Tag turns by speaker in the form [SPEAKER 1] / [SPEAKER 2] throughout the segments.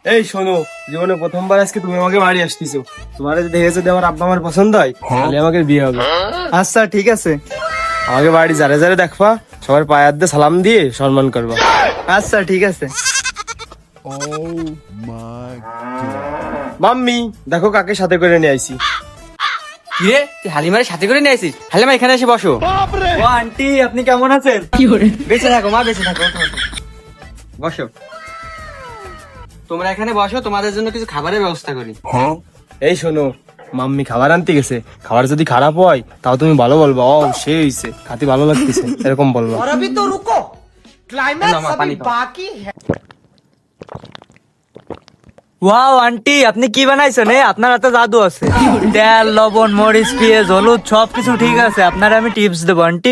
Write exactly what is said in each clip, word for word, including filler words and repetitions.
[SPEAKER 1] এই শোনো, জীবনে প্রথমবার আজকে তুমি আমাকে বাড়ি আসতেছো। তোমার যদি দেখে যদি আমার আব্বা আমার পছন্দ হয় তাহলে আমাকে বিয়ে হবে।
[SPEAKER 2] আচ্ছা ঠিক আছে।
[SPEAKER 1] আমাকে বাড়ি যারে যারে দেখবা সবার পায়ে হাত দিয়ে সালাম দিয়ে সম্মান করবা।
[SPEAKER 2] আচ্ছা ঠিক আছে।
[SPEAKER 1] মাম্মি দেখো কাকে সাথে করে নিয়ে আইছি।
[SPEAKER 3] কিরে তুই হালিমারে সাথে করে নিয়ে আসিস? হালিমা এখানে এসে বসো।
[SPEAKER 2] ও আন্টি আপনি কেমন আছেন?
[SPEAKER 3] বেঁচে থাকো মা, বেঁচে থাকো। ওঠো, ওঠো। বসো, তোমরা এখানে বসো, তোমাদের জন্য কিছু খাবারের ব্যবস্থা করি।
[SPEAKER 1] এই শোনো, মাম্মি খাবার আনতে গেছে, খাবার যদি খারাপ হয় তাও তুমি ভালো বলবা, ও সে হইছে খাতে ভালো লাগতেছে এরকম বলবা।
[SPEAKER 4] और अभी तो रुको, क्लाइमैक्स
[SPEAKER 3] ना,
[SPEAKER 4] अभी
[SPEAKER 3] पानी खाओ।
[SPEAKER 4] बाकी है।
[SPEAKER 2] ওয়াও আন্টি আপনি কি বানাইছেন? এ আপনার হাতে জাদু আছে। তেল, লবণ, মরিচ, পেঁয়াজ, হলুদ সবকিছু ঠিক আছে। আপনার আমি টিপস দেবো আন্টি।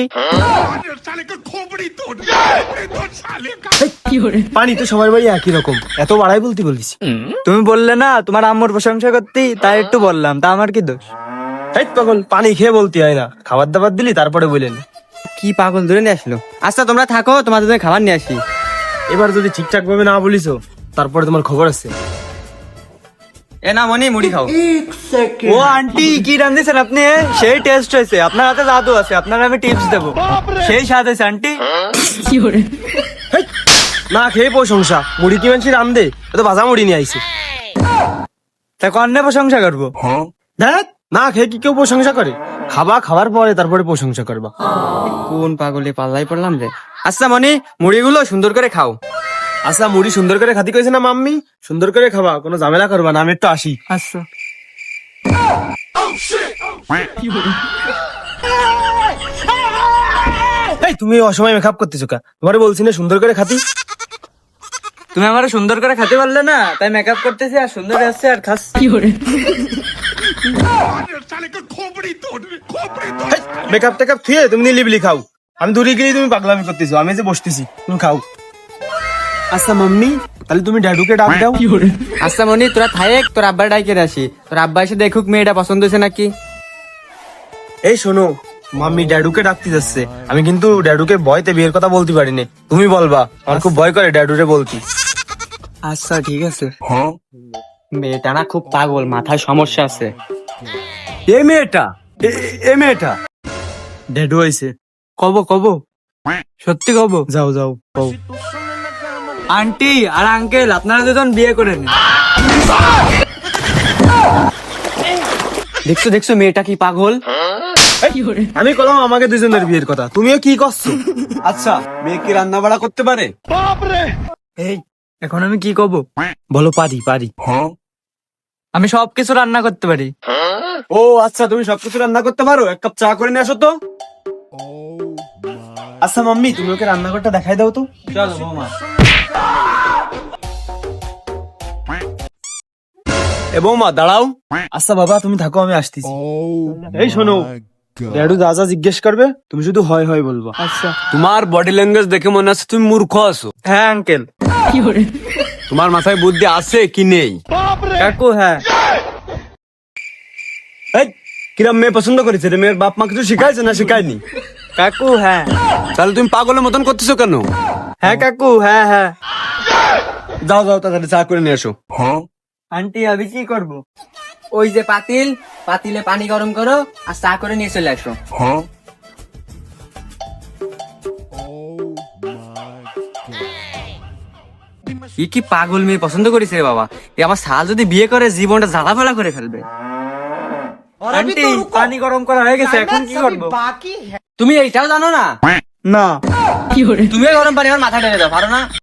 [SPEAKER 1] পানি তো সবার বাড়ি একই রকম, এত বাড়াই বলতে বলিস।
[SPEAKER 2] তুমি বললে না তোমার আম্মুর প্রশংসা করতে, তাই একটু বললাম। তা আমার কি দোষ?
[SPEAKER 1] এই পাগল, পানি খেয়ে বলতে হয় না, খাবার দাবার দিলি তারপরে বলেন।
[SPEAKER 3] কি পাগল ধরে নিয়ে আসলো? আচ্ছা তোমরা থাকো, তোমাদের জন্য খাবার নিয়ে আসি।
[SPEAKER 1] এবার যদি ঠিকঠাক ভাবে না বলিস তারপরে তোমার খবর আছে।
[SPEAKER 3] এ না মনি, মুড়ি খাও।
[SPEAKER 2] ও আন্টি কি রান্ধিছেন আপনি? এ? সেই টেস্ট হয়েছে। আপনার হাতে জাদু আছে, আপনার আমি টিপস দেবো। সেই স্বাদ হয়েছে আন্টি।
[SPEAKER 1] হেই, না খেয়ে প্রশংসা, মুড়ি কি মানছি রান্ধে, এত ভাজা মুড়ি নিয়ে আইছে।
[SPEAKER 2] তা কন্যা প্রশংসা করবো?
[SPEAKER 1] দেখ না খেয়ে কি কেউ প্রশংসা করে? খাবা, খাবার পরে তারপরে প্রশংসা করবা।
[SPEAKER 3] কোন পাগলে পাল্লাই পড়লাম রে। আচ্ছা মনি, মুড়িগুলো সুন্দর করে খাও।
[SPEAKER 1] আচ্ছা মুড়ি সুন্দর করে খাতি কইছে না মাম্মি, সুন্দর করে খাবা, কোনো ঝামেলা করবা না, আমি একটু আসি।
[SPEAKER 2] আচ্ছা।
[SPEAKER 1] এই তুমি অসময় মেকআপ করতেছো কা? তোমারে বলছি না সুন্দর করে খাতি।
[SPEAKER 2] তুমি আমার সুন্দর করে খেতে পারলে না, তাই মেকআপ করতেছি আর সুন্দর আসছে আর খাস।
[SPEAKER 1] মেকআপ টেকআপ থুয়ে তুমি নিলিবিলি খাও, আমি দূরে গিয়ে তুমি পাগলামি করতেছো, আমি যে বসতেছি তুমি খাও। আচ্ছা মাম্মি তাহলে তুমি ড্যাডুকে ডাক দাও।
[SPEAKER 3] আচ্ছা মনি তোরা থাক, তোর আব্বার ডাইকে আসি। তোর আব্বা এসে দেখুক মেয়েটা পছন্দ হয়েছে নাকি।
[SPEAKER 1] এই শোনো, মাম্মি ড্যাডুকে ডাকতে যাচ্ছে, আমি কিন্তু ড্যাডুকে ভয়তে বিয়ের কথা বলতে পারিনি, তুমি বলবা, আমার খুব ভয় করে ড্যাডুরে বলতি।
[SPEAKER 2] আচ্ছা ঠিক আছে।
[SPEAKER 3] মেয়েটা না খুব পাগল, মাথায় সমস্যা আছে।
[SPEAKER 2] এ মেয়েটা, এ মেয়েটা
[SPEAKER 1] ড্যাডু আইছে।
[SPEAKER 2] কব কব সত্যি কব।
[SPEAKER 1] যাও যাও কও।
[SPEAKER 2] আন্টি আর আঙ্কেল আপনারা দুজন বিয়ে করে নিন।
[SPEAKER 3] দেখছো দেখছো মেয়েটা কি পাগল।
[SPEAKER 1] আমি কলাম আমাকে দুজনের বিয়ের কথা, তুমিও কি করছো?
[SPEAKER 5] আচ্ছা মেয়ে কি রান্না বাড়া করতে পারে?
[SPEAKER 2] এই এখন আমি কি কব?
[SPEAKER 1] বলো পারি পারি।
[SPEAKER 2] আমি সবকিছু রান্না করতে পারি।
[SPEAKER 5] ও আচ্ছা তুমি সবকিছু রান্না করতে পারো, এক কাপ চা করে নিয়ে আসো তো।
[SPEAKER 1] আচ্ছা মাম্মি তুমি ওকে রান্নাঘরটা দেখাই দাও তো।
[SPEAKER 2] চলো বৌমা।
[SPEAKER 5] এ বৌমা দাঁড়াও।
[SPEAKER 1] আচ্ছা বাবা তুমি থাকো, আমি আসতেছি। এই শোনো, ড্যাডু যা যা জিজ্ঞেস করবে তুমি শুধু হয় হয় বলবা।
[SPEAKER 2] আচ্ছা।
[SPEAKER 5] তোমার বডি ল্যাঙ্গুয়েজ দেখে মনে হচ্ছে তুমি মূর্খ আছো।
[SPEAKER 2] হ্যাঁ আঙ্কেল।
[SPEAKER 5] তোমার মাথায় বুদ্ধি আছে কি নেই?
[SPEAKER 2] কাকু হ্যাঁ।
[SPEAKER 5] এই কিরম মেয়ে পছন্দ করেছে রে? মেয়ের বাপ মা কিছু শিখাইছে না শিখায়নি?
[SPEAKER 2] কাকু হ্যাঁ।
[SPEAKER 5] তাহলে তুমি পাগলের মতন করতেছো কেন?
[SPEAKER 2] হ্যাঁ কাকু হ্যাঁ হ্যাঁ।
[SPEAKER 5] যাও যাও তাড়াতাড়ি চা করে নিয়ে আসো।
[SPEAKER 2] আন্টি আমি কি করব?
[SPEAKER 3] ওই যে পাতিল, পাতিলে পানি গরম করো আর চা করে নিয়ে চলে আসো। ই কি পাগল মেয়ে পছন্দ করেছে রে বাবা। এ আমার শাল যদি বিয়ে করে জীবনটা জ্বালাফালা করে ফেলবে।
[SPEAKER 4] और अभी
[SPEAKER 2] আন্টি
[SPEAKER 4] तो रुको,
[SPEAKER 2] পানি গরম করা হয়ে গেছে, এখন কি
[SPEAKER 4] क्लाइमैक्स अभी
[SPEAKER 2] করব?
[SPEAKER 4] बाकी है।
[SPEAKER 3] তুমি এইটাও জানো না?
[SPEAKER 2] না।
[SPEAKER 3] তুমিও গরম পানি আমার মাথা ঢেলে দাও, পারো না?